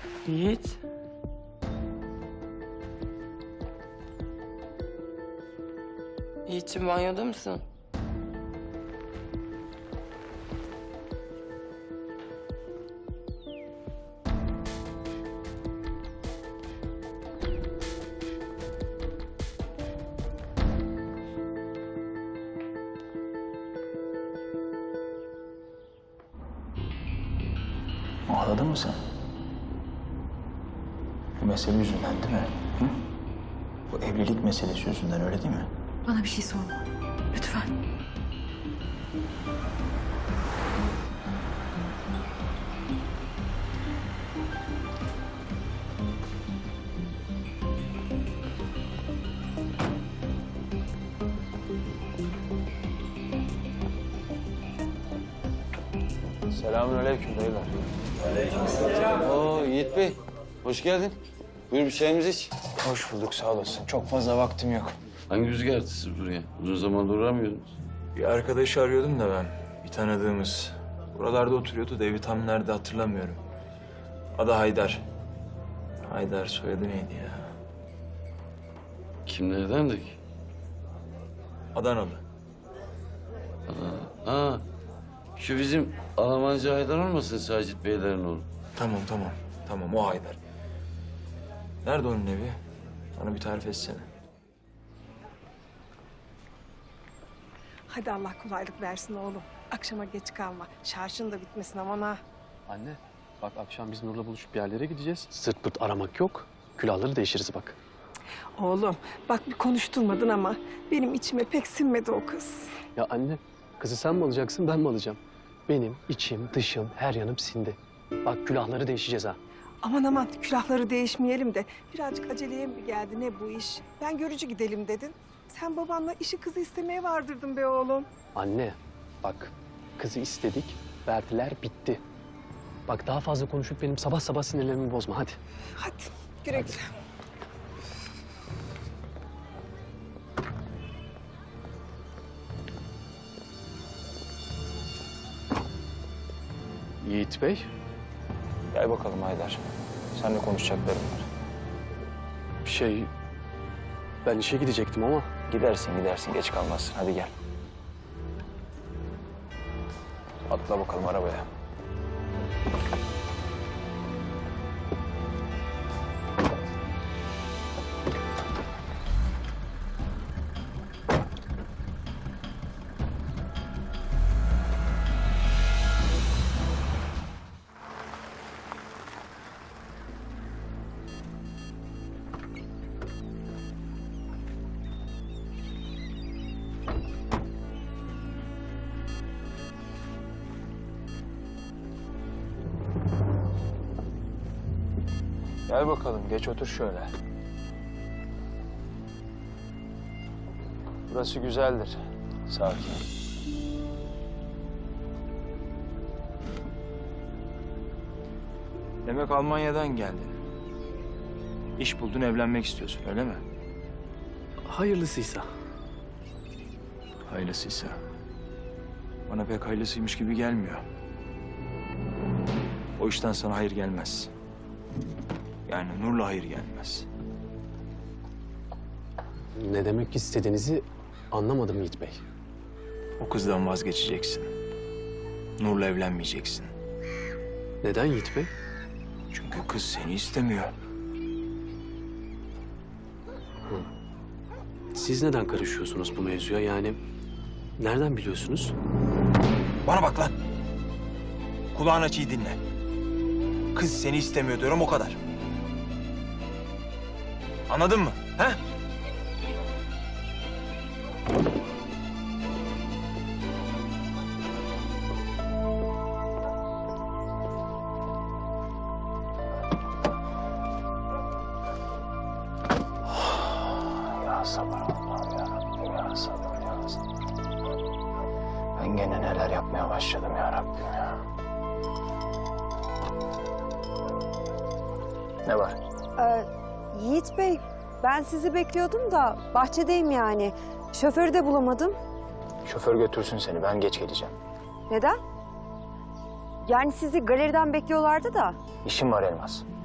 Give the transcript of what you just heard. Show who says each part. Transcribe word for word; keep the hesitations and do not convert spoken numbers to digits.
Speaker 1: Yiğit. Yiğit'ciğim banyoda mısın?
Speaker 2: Ağladın mı sen? Bu mesele yüzünden değil mi? Hı? Bu evlilik meselesi yüzünden öyle değil mi?
Speaker 3: Bana bir şey sorma. Lütfen.
Speaker 4: Selamünaleyküm dayılar. Aleykümselam. Oo Yiğit Bey, hoş geldin. Buyur bir çayımızı iç.
Speaker 2: Hoş bulduk, sağ olasın. Çok fazla vaktim yok.
Speaker 4: Hangi rüzgar attı siz buraya? Uzun zamandır uğramıyordunuz.
Speaker 2: Bir arkadaşı arıyordum da ben. Bir tanıdığımız. Buralarda oturuyordu da evi tam nerede hatırlamıyorum. Adı Haydar. Haydar soyadı neydi ya?
Speaker 4: Kimlerdendik?
Speaker 2: Adanalı.
Speaker 4: Ha, şu bizim Almancı Haydar olmasın Sacit Beylerin oğlu?
Speaker 2: Tamam tamam. Tamam o Haydar. Nerede onun evi? Bana bir tarif etsene.
Speaker 5: Hadi Allah kolaylık versin oğlum. Akşama geç kalma. Şarjın da bitmesin aman ha.
Speaker 6: Anne, bak akşam biz Nur'la buluşup bir yerlere gideceğiz. Sırt pırt aramak yok. Külahları değişiriz bak.
Speaker 5: Oğlum bak bir konuşturmadın ama benim içime pek sinmedi o kız.
Speaker 6: Ya anne, kızı sen mi alacaksın, ben mi alacağım? Benim içim, dışım, her yanım sindi. Bak külahları değişeceğiz ha.
Speaker 5: Aman aman külahları değişmeyelim de birazcık aceleye mi geldi ne bu iş? Ben görücü gidelim dedin. Sen babanla işi kızı istemeye vardırdın be oğlum.
Speaker 6: Anne, bak kızı istedik, verdiler, bitti. Bak daha fazla konuşup benim sabah sabah sinirlerimi bozma, hadi.
Speaker 5: Hadi güle güle.
Speaker 6: Yiğit Bey,
Speaker 2: Gel bakalım Haydar. Seninle konuşacaklarım var.
Speaker 6: şey... Ben işe gidecektim ama...
Speaker 2: Gidersin gidersin geç kalmazsın. Hadi gel. Atla bakalım arabaya. Gel bakalım, geç otur şöyle. Burası güzeldir, sakin. Demek Almanya'dan geldin. İş buldun, evlenmek istiyorsun, öyle mi?
Speaker 6: Hayırlısıysa.
Speaker 2: Hayırlısıysa. Bana pek hayırlısıymış gibi gelmiyor. O işten sana hayır gelmez. Yani Nur'la hayır gelmez.
Speaker 6: Ne demek istediğinizi anlamadım Yiğit Bey.
Speaker 2: O kızdan vazgeçeceksin. Nur'la evlenmeyeceksin.
Speaker 6: Neden Yiğit Bey?
Speaker 2: Çünkü kız seni istemiyor.
Speaker 6: Siz neden karışıyorsunuz bu mevzuya? Yani nereden biliyorsunuz?
Speaker 2: Bana bak lan. Kulağını aç iyi dinle. Kız seni istemiyor diyorum o kadar. Anladın mı? He? Ya sabır Allah'ım ya Rabbim ya sabır ya sabır. Ben gene neler yapmaya başladım ya Rabbim ya. Ne var?
Speaker 7: Ee, Yiğit Bey, ben sizi bekliyordum da bahçedeyim yani. Şoförü de bulamadım.
Speaker 2: Şoför götürsün seni, ben geç geleceğim.
Speaker 7: Neden? Yani sizi galeriden bekliyorlardı da.
Speaker 2: İşim var Elmas.